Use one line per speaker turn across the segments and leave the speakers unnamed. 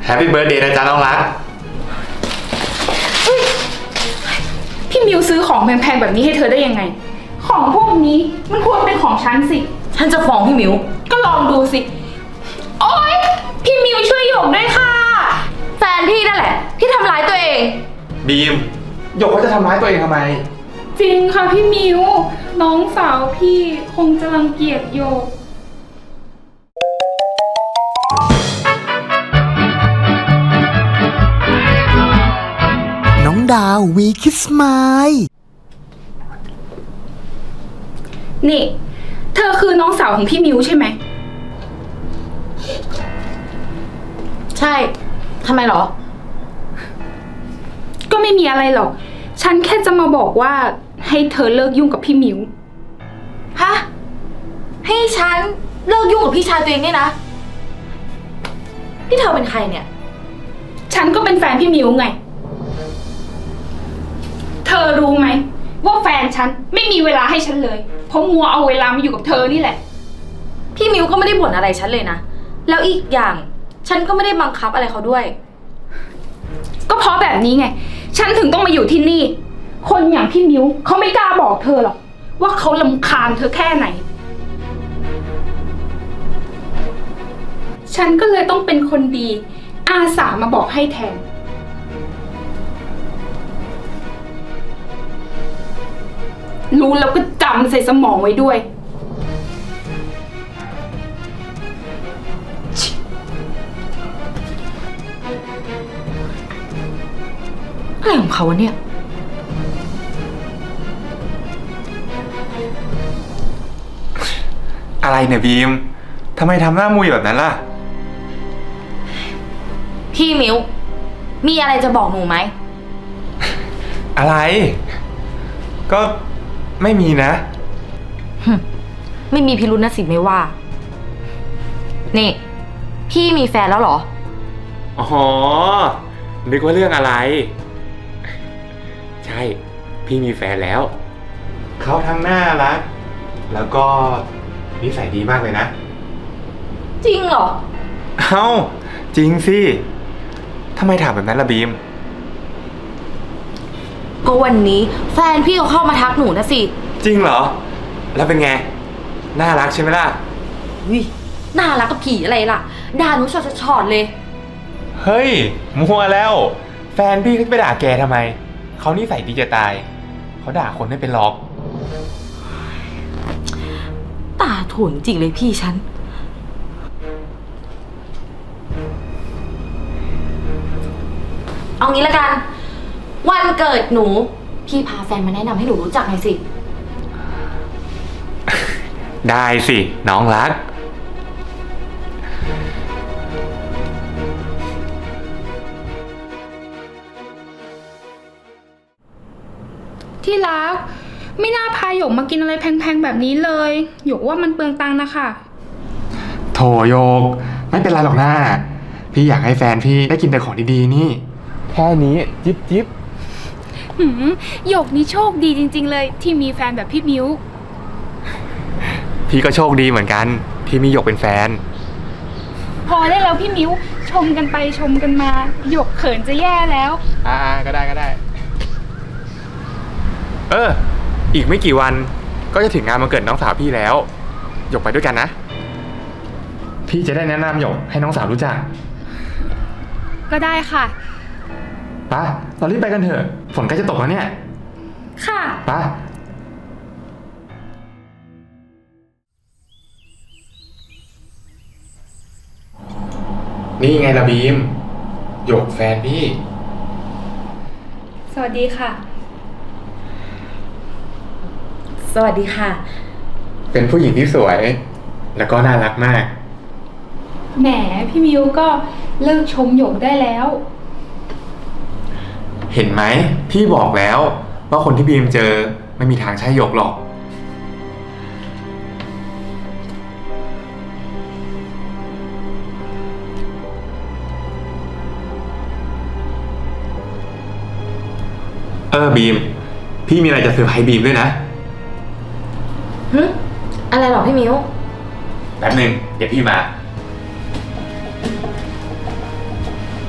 แฮปปี้เบิร์ดเดย์นะจ๊ะน้องรัก
พี่มิวซื้อของแพงๆแบบนี้ให้เธอได้ยังไงของพวกนี้มันควรเป็นของฉันสิ
ฉันจะฟ้องพี่มิว
ก็ลองดูสิโอ๊ยพี่มิวช่วยหยกด้วยค่ะ
แฟนพี่นั่นแหละที่ทำร้ายตัวเอง
บีมหยกเขาจะทำร้ายตัวเองทำไม
จริงค่ะพี่มิวน้องสาวพี่คงจะรังเกียจหยก
น้องดาววีคิสไมล์
นี่เธอคือน้องสาวของพี่มิวใช่ไหม
ใช่ทำไมหรอ
ก็ไม่มีอะไรหรอกฉันแค่จะมาบอกว่าให้เธอเลิกยุ่งกับพี่มิว
ฮะให้ฉันเลิกยุ่งกับพี่ชายตัวเองเนี่ยนะพี่เธอเป็นใครเนี่ย
ฉันก็เป็นแฟนพี่มิวไงเธอรู้ไหมว่าแฟนฉันไม่มีเวลาให้ฉันเลยเพราะมัวเอาเวลามาอยู่กับเธอนี่แหละ
พี่มิวก็ไม่ได้บ่นอะไรฉันเลยนะแล้วอีกอย่างฉันก็ไม่ได้บังคับอะไรเขาด้วย
ก็เพราะแบบนี้ไงฉันถึงต้องมาอยู่ที่นี่คนอย่างพี่มิวเขาไม่กล้าบอกเธอหรอกว่าเขารำคาญเธอแค่ไหนฉันก็เลยต้องเป็นคนดีอาสามาบอกให้แทนรู้แล้วก็จำใส่สมองไว้ด้วย
อะไรของเขาเนี่ย
อะไรเนี่ยบีมทำไมทำหน้ามุยแบบนั้นล่ะ
พี่มิวมีอะไรจะบอกหนูไหม
อะไรก็ไม่มีนะ
ไม่มีพิรุธนะสิไม่ว่านี่พี่มีแฟนแล้วเหรอ
อ๋อนึกว่าเรื่องอะไรใช่พี่มีแฟนแล้วเขาทั้งน่ารักแล้วก็นิสัยดีมากเลยนะ
จริงเหรอ
เอ้าจริงสิทำไมถามแบบนั้นล่ะบีม
ก็วันนี้แฟนพี่เขาเข้ามาทักหนูนะสิ
จริงเหรอแล้วเป็นไงน่ารักใช่ไหมล่ะ
วิน่ารักกับผีอะไรล่ะด่าหนูชอดเลย
เฮ้ยมัวแล้วแฟนพี่เขาจะไปด่าแกทำไมเขานิสัยดีจะตายเขาด่าคนไม่เป็นหรอก
ตาถ่วงจริงเลยพี่ฉันเอางี้ละกันวันเกิดหนูพี่พาแฟนมาแนะนำให้หนูรู้จักหน่อยสิ
ได้สิน้องรัก
ที่รักไม่น่าพาหยกมากินอะไรแพงๆแบบนี้เลยหยกว่ามันเปลืองตังค์นะคะ
โถโยกไม่เป็นไรหรอกนะพี่อยากให้แฟนพี่ได้กินแต่ของดีๆนี่แค่นี้จิ๊บจิ๊บ
หยกนี่โชคดีจริงๆเลยที่มีแฟนแบบพี่มิ้ว
พี่ก็โชคดีเหมือนกันที่มีหยกเป็นแฟน
พอได้แล้วพี่มิ้วชมกันไปชมกันมาหยกเขินจะแย่แล้ว
ก็ได้อีกไม่กี่วันก็จะถึงงานวันเกิดน้องสาวพี่แล้วหยกไปด้วยกันนะพี่จะได้แนะนำหยกให้น้องสาวรู้จัก
ก็ได้ค่ะ
ไปเรารีบไปกันเถอะฝนใกล้จะตกแล้วเนี่ย
ค่ะ
ไปนี่ไงล่ะบีมหยกแฟนพี่
สวัสดีค่ะ
สวัสดีค่ะ
เป็นผู้หญิงที่สวยแล้วก็น่ารักมาก
แหมพี่มิวก็เลิกชมหยกได้แล้ว
เห็นไหมพี่บอกแล้วว่าคนที่บีมเจอไม่มีทางใช่หยกหรอกบีมพี่มีอะไรจะเซอร์ไพรส์บีมด้วยนะ
อะไรหรอพี่มิว
แป๊บนึงเดี๋ยวพี่มา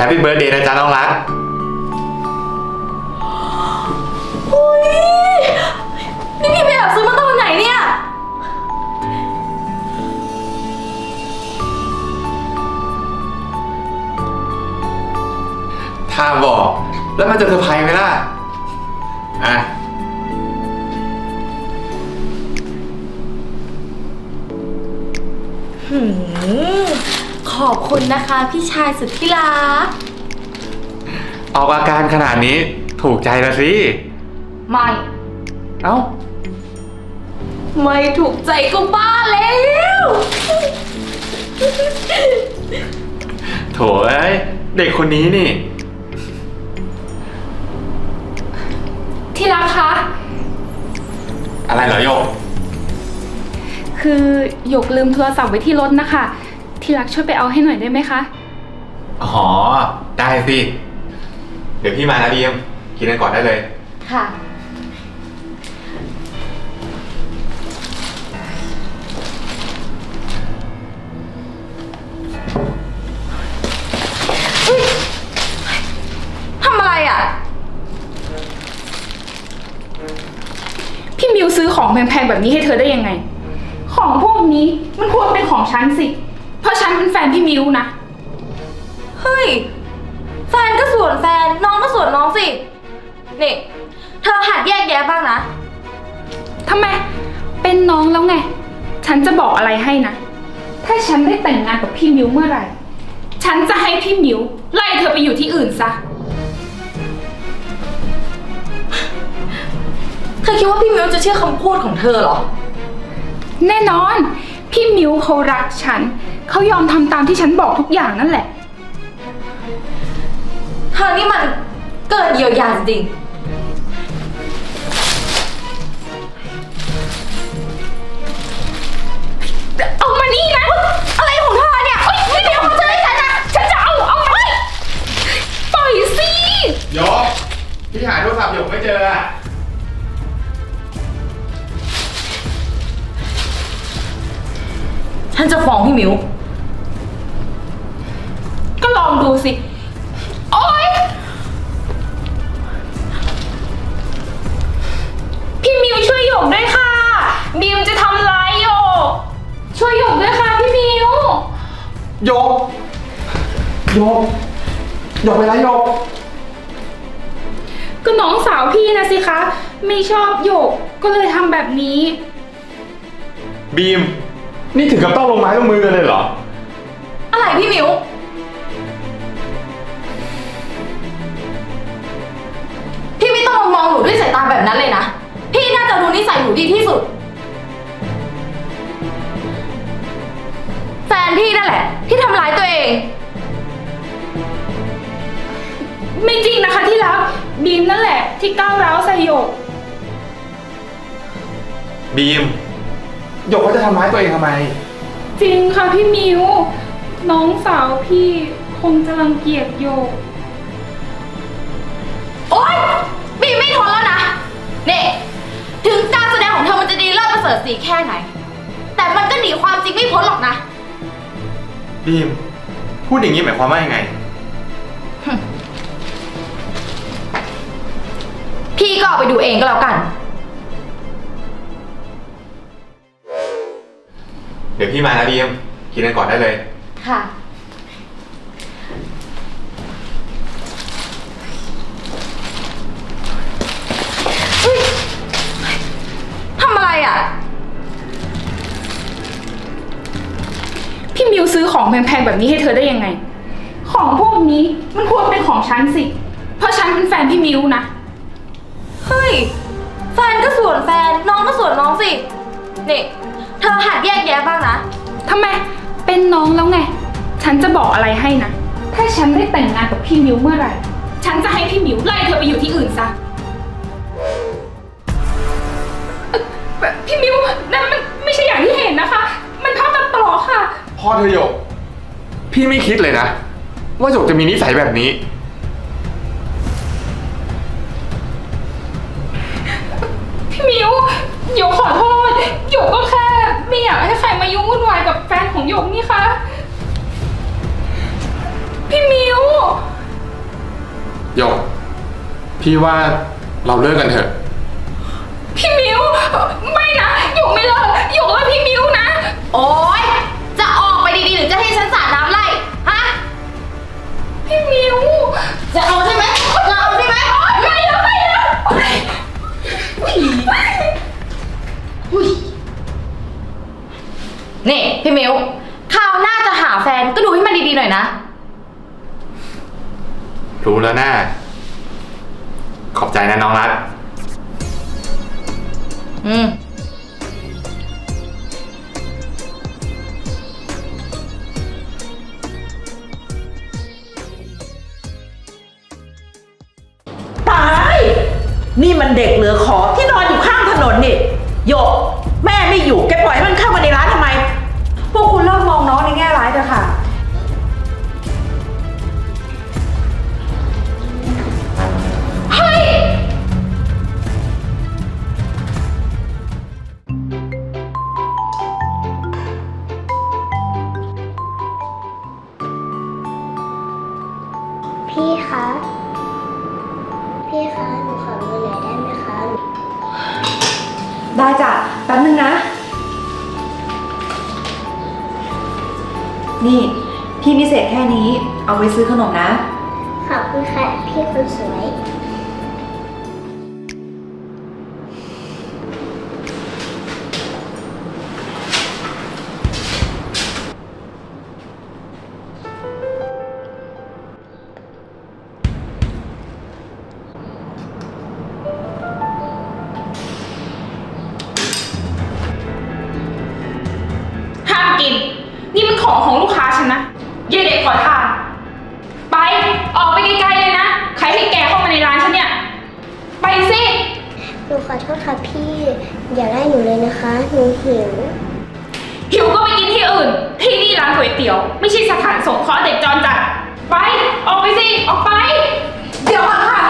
Happy Birthday นะจ๊ะน้องรัก
อุ้ยนี่พี่ไปแอบซื้อมาตอนไหนเนี่ย
ถ้าบอก แล้วมันจะเซอร์ไพรส์ไหมล่ะ อ่ะ
ขอบคุณนะคะพี่ชายสุดที่รัก
ออกอาการขนาดนี้ถูกใจแล้วสิ
ไม่
เอ้า
ไม่ถูกใจก็บ้าแล้ว
โถเอ้ย เด็กคนนี้นี่
ที่รักคะ
อะไรเหรอโยก
คือหยกลืมโทรศัพท์ไว้ที่รถนะคะ ที่รักช่วยไปเอาให้หน่อยได้ไหมคะ
อ๋อ ได้สิ เดี๋ยวพี่มานะบีมกินกันก่อนได้เลย
ค่ะ ทำอะไรอ่ะ
พี่มิวซื้อของแพงๆแบบนี้ให้เธอได้ยังไง ของพวกนี้มันควรเป็นของฉันสิ เพราะฉันเป็นแฟนพี่มิวนะ
เฮ้ย แฟนก็ส่วนแฟน น้องก็ส่วนน้องสิ นี่ เธอหัดแยกแยะบ้างนะ
ทำไม เป็นน้องแล้วไง ฉันจะบอกอะไรให้นะ ถ้าฉันได้แต่งงานกับพี่มิวเมื่อไหร่ ฉันจะให้พี่มิวไล่เธอไปอยู่ที่อื่นซะ
เธอคิดว่าพี่มิวจะเชื่อคำพูดของเธอเหรอ
แน่นอน พี่มิวเขารักฉัน เขายอมทำตามที่ฉันบอกทุกอย่างนั่นแหละ
เธอนี่มันเกินเยียวยาจริง
เอามานี่นะ
อะไรของเธอเนี่ยเฮ้ยพี่มิวเขาเจอให้ฉันนะ
ฉันจะเอามาปล่อยสิ
โยก พี่หาโทรศัพท์โยกไม่เจออะ
ฉันจะฟ้องพี่มิว
ก็ลองดูสิ โอ๊ย พี่มิวช่วยหยกด้วยค่ะ มิวจะทำร้ายหยก ช่วยหยกด้วยค่ะพี่มิว
โยก โยก โยกไปแล้วโยก
ก็น้องสาวพี่นะสิคะ ไม่ชอบหยก ก็เลยทำแบบนี้
บีม นี่ถึงกับต้องลงไม้ลงมือกันเลยเหรอ
อะไรพี่มิว พี่ไม่ต้องมามองหนูด้วยสายตาแบบนั้นเลยนะ พี่น่าจะรู้นิสัยหนูดีที่สุด แฟนพี่นั่นแหละ ที่ทำร้ายตัวเอง
ไม่จริงนะคะที่รัก บีมนั่นแหละ ที่ก้าวร้าวใส่หยก
บีม โยกเขาจะทำร้ายตัวเองทำไม
จริงค่ะพี่มิว น้องสาวพี่คงจะรังเกียจโยก
โอ๊ยบีไม่ทนแล้วนะนี่ถึงการแสดงของเธอมันจะดีเลิศประเสริฐสีแค่ไหน แต่มันก็หนีความจริงไม่พ้นหรอกนะ
บีม พูดอย่างนี้หมายความว่ายังไง
พี่ก็เอาไปดูเองก็แล้วกัน
เดี๋ยวพี่มานะบีมกินกันก่อนได้เลย
ค่ะ ทำอะไรอ่ะ
พี่มิวซื้อของแพงๆแบบนี้ให้เธอได้ยังไง ของพวกนี้มันควรเป็นของฉันสิ เพราะฉันเป็นแฟนพี่มิวนะ
เฮ้ย แฟนก็ส่วนแฟน น้องก็ส่วนน้องสิ นี่ เธอหัดแยกแยะบ้างนะ
ทำไม เป็นน้องแล้วไง ฉันจะบอกอะไรให้นะ ถ้าฉันได้แต่งงานกับพี่มิวเมื่อไหร่ ฉันจะให้พี่มิวไล่เธอไปอยู่ที่อื่นซะพี่มิวนั่นมันไม่ใช่อย่างที่เห็นนะคะ มันภาพตัดต่อค่ะ
พ่อเธอโยก พี่ไม่คิดเลยนะ ว่าโยกจะมีนิสัยแบบนี้
พี่มิวหยกขอโทษหยกก็แค่ไม่อยากให้ใครมายุ่งวุ่นวายกับแฟนของหยกนี่คะพี่มิว
หยก พี่ว่าเราเลิกกันเถอะ
พี่มิวไม่นะหยกไม่เลิกหยกรักพี่มิวนะ
โอ๊ย จะออกไปดีๆหรือจะให้ฉันสาดน้ำไล่ฮะ
พี่มิว
จะเอาใช่ไหมจะเอาใช่ไหม
ไม่แล้วไม่แล้ว
นี่พี่มิวคราวหน้าจะหาแฟนก็ดูให้มันดีๆหน่อยนะ
รู้แล้วนะขอบใจนะน้องรัก
อืม
ตาย นี่มันเด็กเหลือขอที่นอนอยู่ข้างถนนนี่โยกแม่ไม่อยู่แกปล่อยให้มันเข้ามาในร้านทำไม
พวกคุณเลิกมองน้องในแง่ร้ายเถอะค่ะ
พี่คะ พี่คะ หนูขอเงินหน่อยได้ไหมคะ
ได้จ้ะ แป๊บนึงนะ นี่ พี่มีเศษแค่นี้ เอาไว้ซื้อขนมนะ
ขอบคุณค่ะ พี่คนสวย
ห้ามกิน นี่มันของลูกค้าฉันนะเย่เด็กขอทาน ไป ออกไปไกลๆเลยนะ ใครให้แกเข้ามาในร้านฉันเนี่ย ไปสิ
หนูขอโทษค่ะพี่ อย่าไล่หนูเลยนะคะ หนูหิว
หิวก็ไปกินที่อื่น ที่นี่ร้านก๋วยเตี๋ยว ไม่ใช่สถานสงเคราะห์เด็กจรจัด ไป ออกไปสิ ออกไป
เดี๋ยวก่อนค่ะ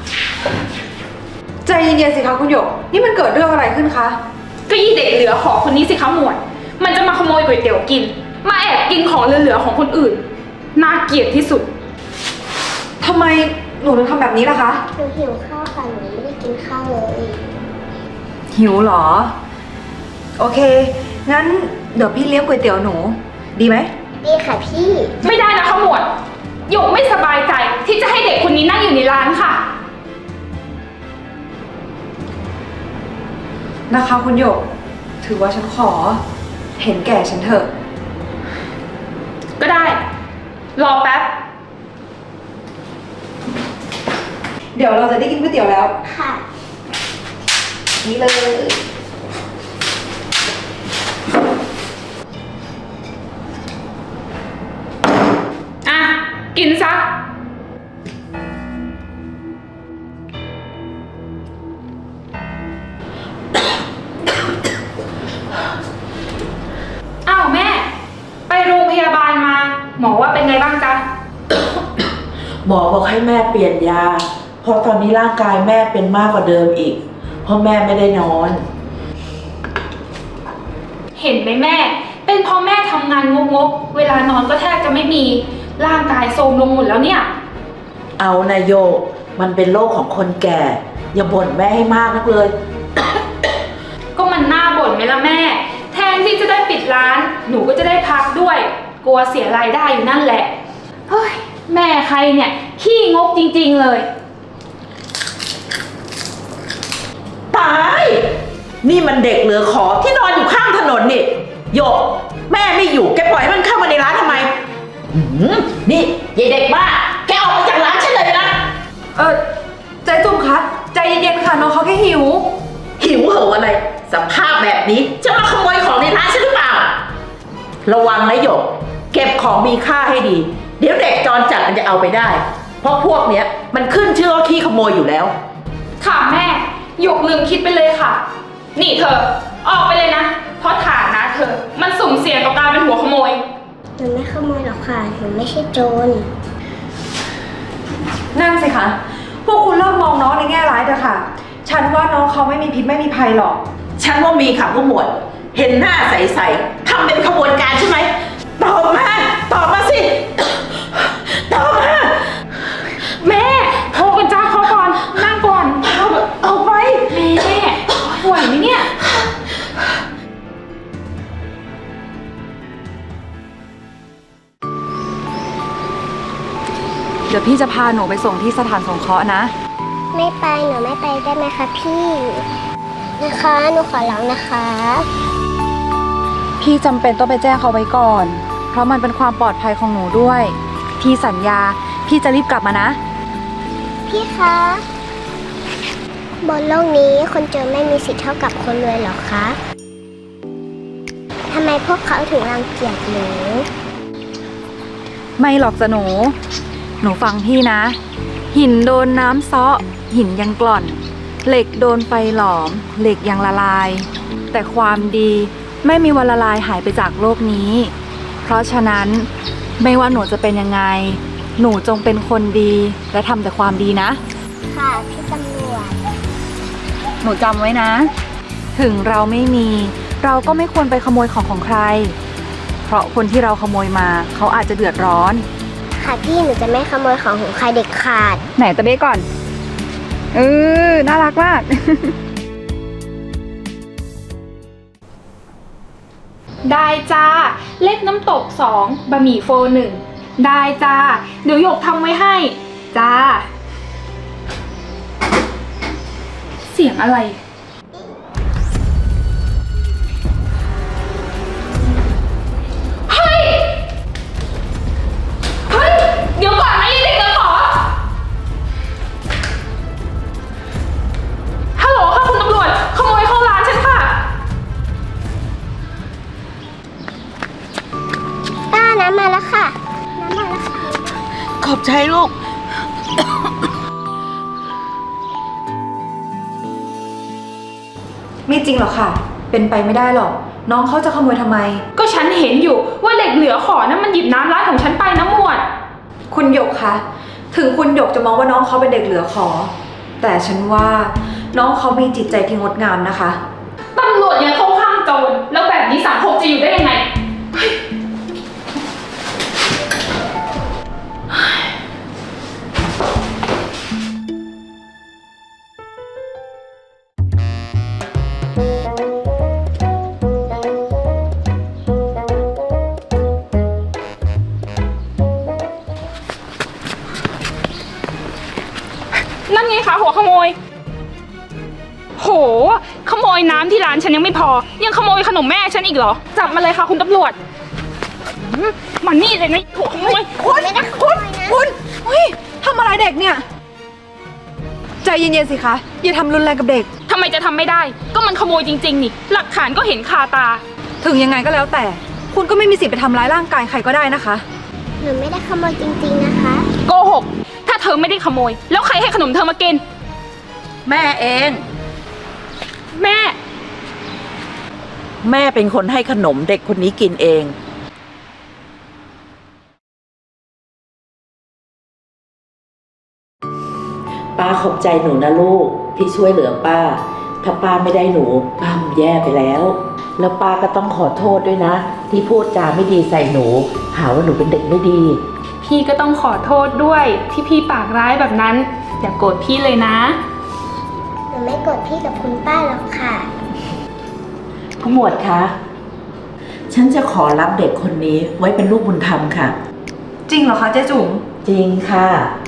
ใจเย็นๆสิคะคุณหยก นี่มันเกิดเรื่องอะไรขึ้นคะ
ก็ยี่เด็กเหลือขอคนนี้สิคะหมวด มันจะมาขโมยก๋วยเตี๋ยวกิน มาแอบกินของเหลือๆของคนอื่น น่าเกลียดที่สุด
ทำไมหนูถึงทำแบบนี้ล่ะคะ
หนูหิวข้าวค่ะ หนูไม่ได้กินข้าวเลย
หิวเหรอ โอเค งั้นเดี๋ยวพี่เลี้ยงก๋วยเตี๋ยวหนู ดีไหม
ดีค่ะพี่
ไม่ได้นะคะหมวดหยกไม่สบายใจที่จะให้เด็กคนนี้นั่งอยู่ในร้านค่ะ
นะคะคุณหยก ถือว่าฉันขอ เห็นแก่ฉันเถอะ
ก็ได้ รอแป๊บ
เดี๋ยวเราจะได้กินก๋วยเตี๋ยวแล้ว
ค่ะ
นี่เลย
อ่ะ กินซะ อ้าวแม่ ไปโรงพยาบาลมา หมอว่าเป็นไงบ้างจ๊ะ
หมอบอกให้แม่เปลี่ยนยา เพราะตอนนี้ร่างกายแม่เป็นมากกว่าเดิมอีก เพราะแม่ไม่ได้นอน
เห็นไหมแม่ เป็นเพราะแม่ทำงานงกๆ เวลานอนก็แทบจะไม่มี ร่างกายโทรมลงหมดแล้วเนี่ย
เอานะโยก มันเป็นโรคของคนแก่ อย่าบ่นแม่ให้มากนักเลย
ก็มันน่าบ่นไหมล่ะแม่ แทนที่จะได้ปิดร้าน หนูก็จะได้พักด้วย กลัวเสียรายได้อยู่นั่นแหละ เฮ้ย แม่ใครเนี่ย ขี้งกจริงๆเลย
ตาย นี่มันเด็กเหลือขอที่นอนอยู่ข้างถนนนี่โยกแม่ไม่อยู่แกปล่อยให้มันเข้ามาในร้านทำไมนี่ยายเด็กบ้าแกออกไปจากร้านฉันเลยนะ
ใจจุ่มคะ ใจเย็นๆค่ะน้องเขาแค่หิว
หิวเหอะอะไร สภาพแบบนี้จะมาขโมยของในร้านฉันหรือเปล่า ระวังนะหยก เก็บของมีค่าให้ดี เดี๋ยวเด็กจรจัดมันจะเอาไปได้ เพราะพวกเนี้ยมันขึ้นชื่อว่าขี้ขโมยอยู่แล้ว
ค่ะแม่หยกลืมคิดไปเลยค่ะ นี่เธอ ออกไปเลยนะ เพราะฐานะเธอ มันสุ่มเสี่ยงต่อการเป็นหัวขโมย
หนูไม่ขโมยหรอกค่ะ หนูไม่ใช่โจร
นั่นสิคะ พวกคุณเลิกมองน้องในแง่ร้ายเถอะค่ะ ฉันว่าน้องเขาไม่มีพิษไม่มีภัยหรอก
ฉันว่ามีค่ะผู้หมวด เห็นหน้าใสๆทำเป็นขบวนการใช่ไหมตอบมาสิ ตอบมา
แม่
เดี๋ยวพี่จะพาหนูไปส่งที่สถานสงเคราะห์นะ
ไม่ไปหนูไม่ไปได้ไหมคะพี่นะคะหนูขอร้องนะคะ
พี่จำเป็นต้องไปแจ้งเขาไว้ก่อน เพราะมันเป็นความปลอดภัยของหนูด้วย พี่สัญญา พี่จะรีบกลับมานะ
พี่คะบนโลกนี้คนจนไม่มีสิทธิ์เท่ากับคนรวยหรอคะทำไมพวกเขาถึงรังเกียจหนู
ไม่หรอกจ้ะหนู หนูฟังพี่นะ หินโดนน้ำเซาะหินยังกร่อน เหล็กโดนไฟหลอม เหล็กยังละลาย แต่ความดีไม่มีวันละลายหายไปจากโลกนี้ เพราะฉะนั้นไม่ว่าหนูจะเป็นยังไง หนูจงเป็นคนดีและทำแต่ความดีนะ
ค่ะพี่ตำรวจ
หนูจำไว้นะ ถึงเราไม่มี เราก็ไม่ควรไปขโมยของใคร เพราะคนที่เราขโมยมาเขาอาจจะเดือดร้อน
ค่ะพี่หนูจะไม่ขโมยของของใครเด็ดขาด
ไหนตะเบ้ก่อนน่ารักมาก
ได้จ้า เล็กน้ำตก2บะหมี่โฟ1ได้จ้า เดี๋ยวหยกทำไว้ให้ จ้า เสียงอะไร เฮ้ย เฮ้ย เดี๋ยวก่อนนะไอ้เด็กเดี๋ยวขอ ฮัลโหลค่ะคุณตำรวจ ขโมยเข้าร้านฉันค่ะ
ป้าน้ำมาแล้วค่ะ น้ำมาแล้วค่ะ
ขอบใจลูก
ไม่จริงหรอกค่ะ เป็นไปไม่ได้หรอก น้องเขาจะขโมยทำไม
ก็ฉันเห็นอยู่ว่าเด็กเหลือขอนั้นมันหยิบน้ำร้านของฉันไปนะหมวด
คุณหยกคะ ถึงคุณหยกจะมองว่าน้องเขาเป็นเด็กเหลือขอ แต่ฉันว่าน้องเขามีจิตใจที่งดงามนะคะ
ตำรวจยังเข้าข้างโจรแล้วแบบนี้สังคมจะอยู่ได้ยังไง นั่นไงคะหัวขโมย โห ขโมยน้ำที่ร้านฉันยังไม่พอ ยังขโมยขนมแม่ฉันอีกเหรอ จับมาเลยค่ะคุณตำรวจมันนี่เลยนะหัวขโมย
คุณเฮ้ยทำอะไรเด็กเนี่ย ใจเย็นๆสิคะ อย่าทำรุนแรงกับเด็ก
ทำไมจะทำไม่ได้ ก็มันขโมยจริงๆนี่ หลักฐานก็เห็นคาตา
ถึงยังไงก็แล้วแต่ คุณก็ไม่มีสิทธิ์ไปทำร้ายร่างกายใครก็ได้นะคะ
หนูไม่ได้ขโมยจริงๆนะคะ
โกหก ถ้าเธอไม่ได้ขโมย แล้วใครให้ขนมเธอมากิน
แม่เอง
แม่
แม่เป็นคนให้ขนมเด็กคนนี้กินเอง ป้าขอบใจหนูนะลูกที่ช่วยเหลือป้า ถ้าป้าไม่ได้หนูป้าคงแย่ไปแล้ว แล้วป้าก็ต้องขอโทษด้วยนะ ที่พูดจาไม่ดีใส่หนู หาว่าหนูเป็นเด็กไม่ดี
พี่ก็ต้องขอโทษด้วยที่พี่ปากร้ายแบบนั้น อย่าโกรธพี่เลยนะ
หนูไม่โกรธพี่กับคุณป้าหรอกค่ะ
ผู้หมวดคะ ฉันจะขอรับเด็กคนนี้ไว้เป็นลูกบุญธรรมค่ะ
จริงเหรอคะเจ๊จุ๋ม
จริงค่ะ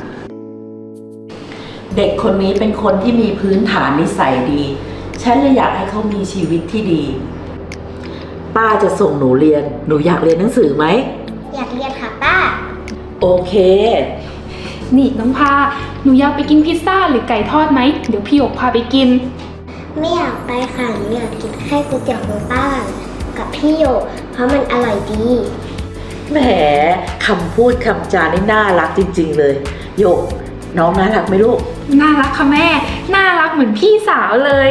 เด็กคนนี้เป็นคนที่มีพื้นฐานนิสัยดี ฉันเลยอยากให้เขามีชีวิตที่ดี ป้าจะส่งหนูเรียน หนูอยากเรียนหนังสือไหม
อยากเรียนค่ะป้า
โอเค
นี่น้องพา หนูอยากไปกินพิซซ่าหรือไก่ทอดไหม เดี๋ยวพี่หยกพาไปกิน
ไม่อยากไปค่ะหนูอยากกินแค่ก๋วยเตี๋ยวของป้า กับพี่โยกเพราะมันอร่อยดี
แหมคำพูดคำจานี่น่ารักจริง ๆ เลย โยก น้องน่ารักไหมลูก
น่ารักค่ะแม่ น่ารักเหมือนพี่สาวเลย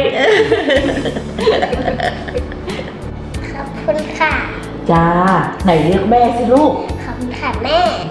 ขอบคุณค่ะ
จ้า ไหนเรียกแม่สิลูก
ขอบคุณค่ะแม่